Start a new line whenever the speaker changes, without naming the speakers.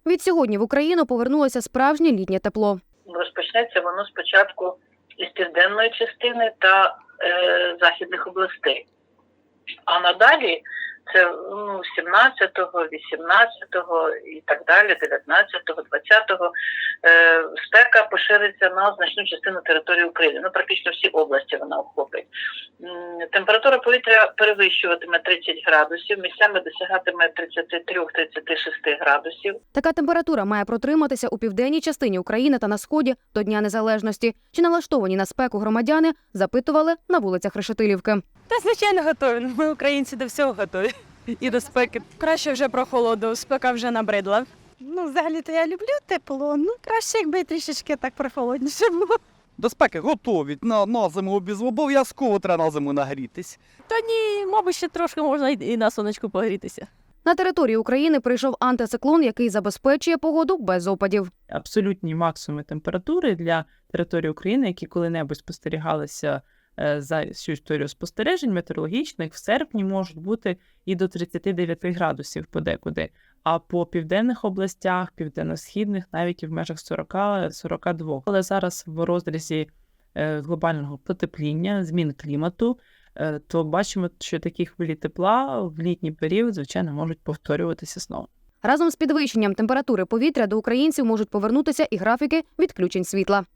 Від сьогодні в Україну повернулося справжнє літнє тепло.
Розпочнеться воно спочатку із південної частини та західних областей. А надалі це 17-го, 18-го і так далі, 19-го, 20-го спека пошириться на значну частину території України. Практично всі області вона охопить. Температура повітря перевищуватиме 30 градусів, місцями досягатиме 33-36 градусів.
Така температура має протриматися у південній частині України та на Сході до Дня Незалежності. Чи налаштовані на спеку громадяни, запитували на вулицях Решетилівки.
Та, звичайно, готові. Ми, українці, до всього готові. І до спеки. Краще вже про холоду, спека вже набридла.
Взагалі-то я люблю тепло, краще, якби трішечки так прохолодніше було.
До спеки готові. На зиму обов'язково треба на зиму нагрітись.
Та ні, мабуть, ще трошки можна і на сонечку погрітися.
На території України прийшов антициклон, який забезпечує погоду без опадів.
Абсолютні максимуми температури для території України, які коли-небудь спостерігалися за всю історію спостережень метеорологічних, в серпні можуть бути і до 39 градусів подекуди. А по південних областях, південно-східних, навіть і в межах 40-42. Але зараз в розрізі глобального потепління, змін клімату, то бачимо, що такі хвилі тепла в літній період, звичайно, можуть повторюватися знову.
Разом з підвищенням температури повітря до українців можуть повернутися і графіки відключень світла.